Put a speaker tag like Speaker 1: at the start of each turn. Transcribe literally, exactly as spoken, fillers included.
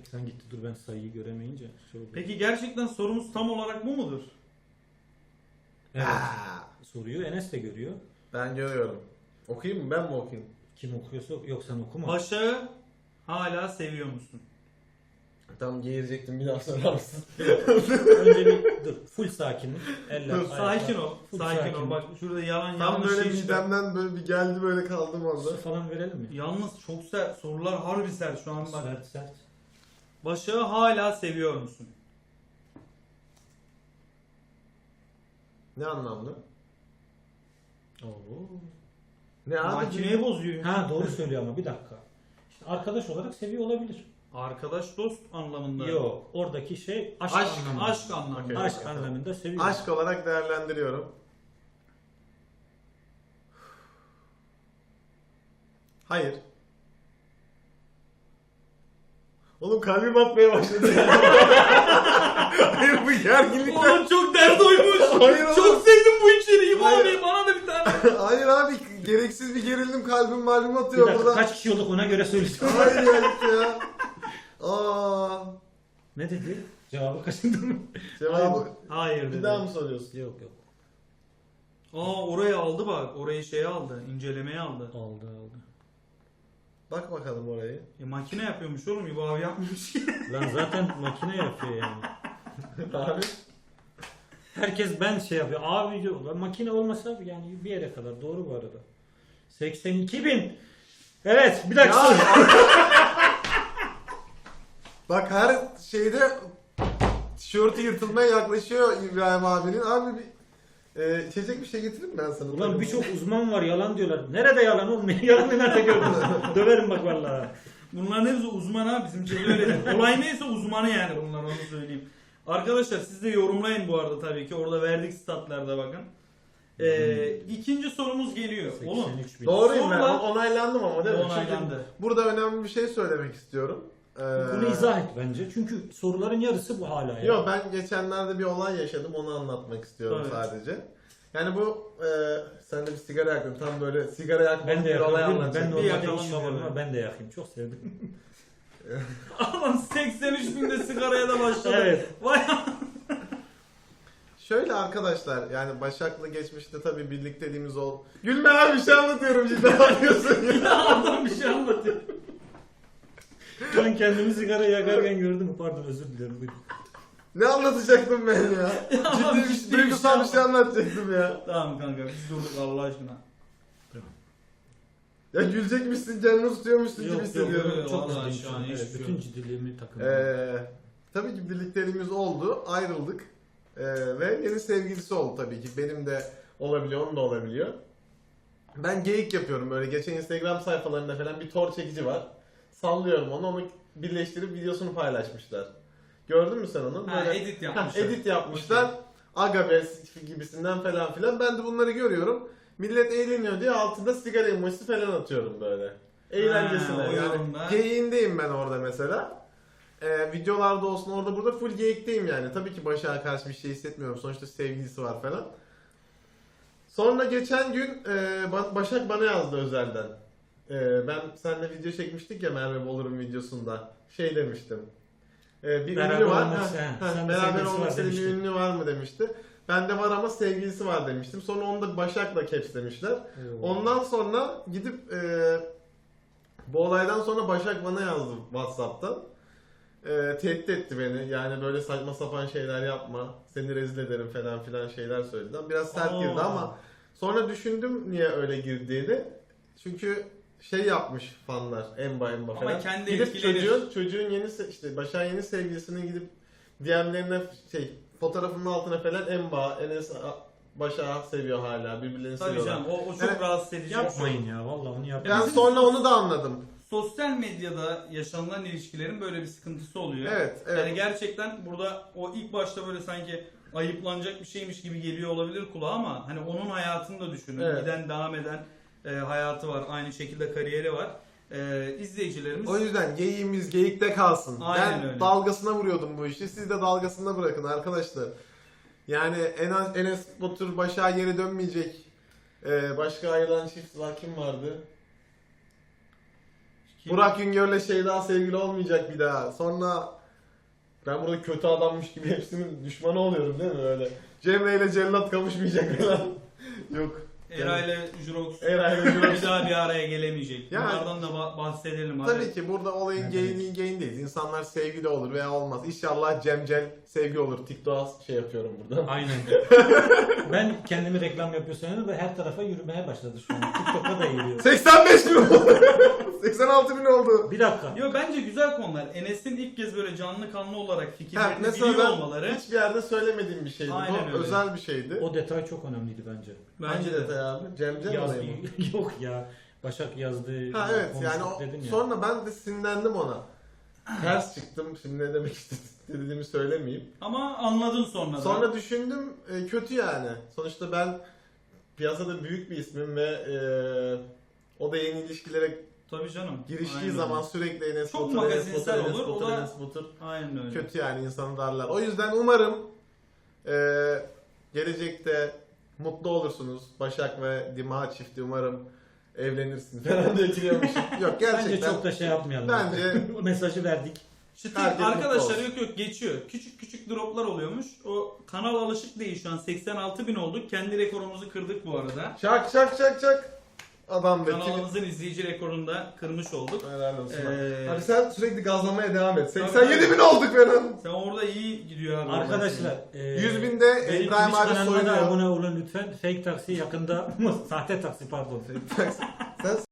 Speaker 1: Ekran gitti, dur ben sayıyı göremeyince. Şey oldu.
Speaker 2: Peki gerçekten sorumuz tam olarak bu mudur?
Speaker 1: Evet.
Speaker 3: Aa,
Speaker 1: Soruyu Enes de görüyor.
Speaker 3: ben görüyorum. Okuyayım mı? Ben mi okuyayım?
Speaker 1: Kim okuyorsa yok, sen okuma.
Speaker 2: Başak'ı hala seviyor musun?
Speaker 3: Tam geğirecektim, bir daha sorar mısın?
Speaker 1: Önce bir dur. Full sakinlik. Eller,
Speaker 3: Dur,
Speaker 1: ayaklar.
Speaker 2: Sakin ol.
Speaker 1: Full
Speaker 2: Sakin ol.
Speaker 1: sakinlik.
Speaker 2: Bak şurada yalan
Speaker 3: Tam
Speaker 2: yanlış
Speaker 3: böyle
Speaker 2: şey çıkar.
Speaker 3: midemden böyle bir geldi, böyle kaldım orada.
Speaker 1: Su falan verelim mi?
Speaker 2: Yalnız çok sert. Sorular harbi sert şu an bak.
Speaker 1: Sert sert.
Speaker 2: Başak'ı hala seviyor musun?
Speaker 3: Ne anlamda?
Speaker 1: Oo.
Speaker 3: Ne abi?
Speaker 2: Makineyi bozuyor.
Speaker 1: Ha doğru söylüyor ama bir dakika. İşte arkadaş olarak seviyor olabilir.
Speaker 2: Arkadaş dost anlamında.
Speaker 1: Yok. Oradaki şey aşk,
Speaker 3: Aşk,
Speaker 1: anlamında.
Speaker 2: Aşk anlamında.
Speaker 3: Okey.
Speaker 1: Aşk anlamında seviyor.
Speaker 3: Aşk olarak değerlendiriyorum. Hayır. Oğlum kalbim atmaya başladı. Hayır, bu gerginlikten.
Speaker 2: Oğlum çok dert oymuş.
Speaker 3: Hayır oğlum.
Speaker 2: Çok sevdim bu içeriği.
Speaker 3: Hayır.
Speaker 2: Abi bana da bir tane.
Speaker 3: Hayır abi, gereksiz bir gerildim, kalbim malum
Speaker 1: Bir
Speaker 3: atıyor
Speaker 1: dakika,
Speaker 3: burada.
Speaker 1: kaç kişi olduk ona göre söyleyeceğim.
Speaker 3: Hayır ya, ya. Aa.
Speaker 1: Ne dedi? Cevabı kaçırdın mı?
Speaker 3: Cevabı
Speaker 2: Hayır
Speaker 3: bir
Speaker 2: dedi.
Speaker 3: daha mı soruyorsun?
Speaker 1: Yok yok.
Speaker 2: Aa orayı aldı bak. Orayı şey aldı. İncelemeye aldı.
Speaker 1: Aldı aldı.
Speaker 3: Bak bakalım orayı.
Speaker 2: E, makine yapıyormuş oğlum. İbo abi yapmamış ki.
Speaker 1: Lan zaten makine yapıyor yani.
Speaker 3: Abi.
Speaker 1: Herkes ben şey yapıyor. Abi diyor. Lan makine olmasa yani bir yere kadar. Doğru bu arada. seksen iki bin. Evet bir dakika.
Speaker 3: Ya.
Speaker 1: soru.
Speaker 3: Bak her şeyde tişörtü yırtılmaya yaklaşıyor İbrahim abinin. Abi bir e, içecek bir şey getireyim ben sana.
Speaker 1: Ulan birçok uzman var yalan diyorlar. Nerede yalan olmuyor? Yalanı nerede gördünüz? Döverim bak vallahi.
Speaker 2: Bunların hepsi uzman ha. Bizim çevre öyle. Olay neyse uzmanı yani bunlar, onu söyleyeyim. Arkadaşlar siz de yorumlayın bu arada tabii ki. Orada verdik statlarda bakın. Ee, ikinci sorumuz geliyor. Oğlum.
Speaker 1: seksen üç bin.
Speaker 3: Doğruyum ben.
Speaker 2: Sorular-
Speaker 3: Onaylandım ama değil mi?
Speaker 2: Onaylandı.
Speaker 3: Çünkü burada önemli bir şey söylemek istiyorum. Ee,
Speaker 1: Bunu izah et bence. Çünkü soruların yarısı bu hala ya.
Speaker 3: Yok, ben geçenlerde bir olay yaşadım, onu anlatmak istiyorum
Speaker 2: Evet.
Speaker 3: sadece. Yani bu e, sen de bir sigara yaktın, tam böyle sigara yakmak
Speaker 1: Ben de
Speaker 3: bir olay
Speaker 1: yakabilirim. Ben
Speaker 3: anlatacaktım.
Speaker 2: Bir
Speaker 1: normalde
Speaker 2: yakalım
Speaker 1: işim var
Speaker 2: diyorum.
Speaker 1: ama ben de yakayım. Çok sevdim.
Speaker 2: Aman seksen üç binde sigaraya da başladı.
Speaker 1: Evet.
Speaker 2: Vay
Speaker 3: Şöyle arkadaşlar, yani Başak'la geçmişte tabii birlikteliğimiz ol. Gülme abi, bir şey anlatıyorum, cidden yapıyorsun ya.
Speaker 1: Adam bir şey anlatıyor. Ben kendimi sigara yakarken gördüm. Pardon özür dilerim. Buyurun.
Speaker 3: Ne anlatacaktım ben ya? Ciddi bir,
Speaker 2: ciddi
Speaker 3: şey, duygusal bir şey anlatacaktım ya.
Speaker 2: Tamam kanka biz durduk Allah aşkına.
Speaker 3: Ya gülecekmişsin, canını tutuyormuşsun gibi
Speaker 1: Yok yok
Speaker 3: hissediyorum.
Speaker 2: yok.
Speaker 1: çok
Speaker 2: Vallahi
Speaker 1: ciddiyim
Speaker 2: şu an
Speaker 1: Evet,
Speaker 2: hiçbir şey
Speaker 1: bütün
Speaker 2: yok.
Speaker 1: ciddiliğimi takındım.
Speaker 3: Ee, tabii ki birlikteliğimiz oldu, ayrıldık. Ee, ve yeni sevgilisi oldu tabii ki. Benim de olabiliyor, onun da olabiliyor. Ben geyik yapıyorum böyle. Geçen Instagram sayfalarında falan bir tor çekici var. Sallıyorum onu, onu birleştirip videosunu paylaşmışlar. Gördün mü sen onu?
Speaker 2: Ha,
Speaker 3: Böyle
Speaker 2: edit
Speaker 3: ha,
Speaker 2: yapmışlar.
Speaker 3: edit yapmışlar. Aga be gibisinden falan filan. Ben de bunları görüyorum. Millet eğleniyor diye altında sigara emojisi falan atıyorum böyle. Eğlencesine.
Speaker 2: Ha, o
Speaker 3: yani
Speaker 2: yorumda.
Speaker 3: geyiğindeyim ben orada mesela. Ee, videolarda olsun, orada burada full geyikteyim yani. Tabii ki Başak'a karşı bir şey hissetmiyorum. Sonuçta sevgilisi var falan. Sonra geçen gün e, Ba- Başak bana yazdı özelden. E, ben seninle video çekmiştik ya Merve Bolur'un videosunda. Şey demiştim. E, bir
Speaker 1: Beraber
Speaker 3: ünlü var.
Speaker 1: olması,
Speaker 3: Ha,
Speaker 1: he.
Speaker 3: ha,
Speaker 1: Sen de
Speaker 3: beraber
Speaker 1: sevgilisi
Speaker 3: olmak
Speaker 1: var
Speaker 3: istediğin bir
Speaker 1: demiştin.
Speaker 3: ünlü var mı demişti. Bende var ama sevgilisi var demiştim. Sonra onu da Başak'la capslemişler.
Speaker 1: Oo.
Speaker 3: Ondan sonra gidip e, bu olaydan sonra Başak bana yazdı WhatsApp'tan. E, tehdit etti beni. Yani böyle saçma sapan şeyler yapma. Seni rezil ederim falan filan şeyler söyledi. Biraz sert
Speaker 2: Aa.
Speaker 3: girdi ama sonra düşündüm niye öyle girdiğini. Çünkü şey yapmış fanlar, emba emba
Speaker 2: Ama
Speaker 3: falan.
Speaker 2: kendi
Speaker 3: gidip
Speaker 2: etkilenir.
Speaker 3: çocuğun, çocuğun yeni se- işte Başak'ın yeni sevgilisinin gidip D M'lerine şey fotoğrafının altına falan emba, Enes Başak'ı seviyor hala. Birbirlerini
Speaker 2: Tabii
Speaker 3: seviyorlar.
Speaker 2: canım o, o çok
Speaker 3: Evet.
Speaker 2: rahatsız edici.
Speaker 1: Yapmayın ya vallahi onu yapmayın.
Speaker 3: Ben sonra onu da anladım.
Speaker 2: Sosyal medyada yaşanılan ilişkilerin böyle bir sıkıntısı oluyor.
Speaker 3: Evet, evet.
Speaker 2: Yani gerçekten burada o ilk başta böyle sanki ayıplanacak bir şeymiş gibi geliyor olabilir kulağa ama hani onun hayatını da düşünün.
Speaker 3: Evet.
Speaker 2: Giden devam eden e, hayatı var. Aynı şekilde kariyeri var. E, izleyicilerimiz
Speaker 3: O yüzden geyiğimiz geyikte kalsın.
Speaker 2: Aynen
Speaker 3: ben
Speaker 2: öyle.
Speaker 3: dalgasına vuruyordum bu işi. Siz de dalgasına bırakın arkadaşlar. Yani Enes, Enes Batur Başak'a geri dönmeyecek. Ee, başka ayrılan çift var, kim vardı? Burak Güngör'le Şeyda sevgili olmayacak bir daha. Sonra ben burada kötü adammış gibi hepsinin düşmanı oluyorum değil mi öyle? Cemre ile Cellat kavuşmayacak falan. Yok.
Speaker 2: Era ile Jurox
Speaker 3: Era ile Jurox.
Speaker 2: bir daha bir araya gelemeyecek.
Speaker 3: Yani-
Speaker 2: Bunlardan da ba- bahsedelim abi.
Speaker 3: Tabii ki burada olayın geyini geyindeyiz. İnsanlar sevgili olur veya olmaz. İnşallah Cemcel sevgi olur. TikTok'a şey yapıyorum burada.
Speaker 1: Aynen. Ben kendimi reklam yapıyor sanıyorum ve her tarafa yürümeye başladı şu an. TikTok'a da yürüyor.
Speaker 3: seksen beş bin oldu. seksen altı bin oldu.
Speaker 1: Bir dakika.
Speaker 2: Yo bence güzel konular. Enes'in ilk kez böyle canlı kanlı olarak
Speaker 3: Ha,
Speaker 2: fikirlerini
Speaker 3: mesela
Speaker 2: biliyor
Speaker 3: ben
Speaker 2: olmaları
Speaker 3: hiçbir yerde söylemediğim bir şeydi.
Speaker 2: Aynen
Speaker 3: Bu
Speaker 2: öyle.
Speaker 3: özel bir şeydi.
Speaker 1: O detay çok önemliydi bence.
Speaker 3: Hangi detay abi? Cemcel
Speaker 1: Yaz,
Speaker 3: olayı mı?
Speaker 1: yok ya. Başak yazdı.
Speaker 3: Ha evet yani
Speaker 1: konuştuk
Speaker 3: o,
Speaker 1: dedin ya.
Speaker 3: sonra ben de sinirlendim ona. Ters çıktım. Şimdi ne demek istediğimi söylemeyeyim.
Speaker 2: ama anladın sonra da.
Speaker 3: Sonra düşündüm e, kötü yani. Sonuçta ben piyasada büyük bir ismim ve e, o da yeni ilişkilere
Speaker 2: Tabii canım.
Speaker 3: giriştiği
Speaker 2: Aynen
Speaker 3: zaman
Speaker 2: öyle.
Speaker 3: sürekli Enes
Speaker 2: Çok
Speaker 3: Batur, Enes
Speaker 2: magazinsel
Speaker 3: Batur, Enes
Speaker 2: olur, o
Speaker 3: Batur,
Speaker 2: da-
Speaker 3: Enes Batur.
Speaker 2: Aynen öyle.
Speaker 3: Kötü yani insanı darlar. O yüzden umarım e, gelecekte mutlu olursunuz. Başak ve Dima çifti umarım evlenirsiniz. Falan diye etiliyormuşum. Yok gerçekten.
Speaker 1: Bence çok da şey yapmayalım.
Speaker 3: Bence-
Speaker 1: O mesajı verdik.
Speaker 2: Çıtır
Speaker 3: Herkes mutlu
Speaker 2: arkadaşlar
Speaker 3: olsun.
Speaker 2: yok yok geçiyor. Küçük küçük droplar oluyormuş. O kanal alışık değil şu an seksen altı bin olduk. Kendi rekorumuzu kırdık bu arada.
Speaker 3: Şak şak şak şak. Adam be.
Speaker 2: Kanalımızın izleyici rekorunu da kırmış olduk.
Speaker 3: Helal olsun.
Speaker 2: Ee,
Speaker 3: Hadi sen sürekli gazlamaya devam et.
Speaker 2: Tabii,
Speaker 3: seksen yedi bin olduk benim.
Speaker 2: Sen orada iyi gidiyor abi.
Speaker 1: Arkadaşlar. e,
Speaker 3: yüz binde
Speaker 1: benim
Speaker 3: İbrahim
Speaker 1: Twitch
Speaker 3: abi
Speaker 1: kanalıma da
Speaker 3: soyunuyor.
Speaker 1: abone olun lütfen. Fake taksi yakında. Sahte taksi pardon.
Speaker 3: Sen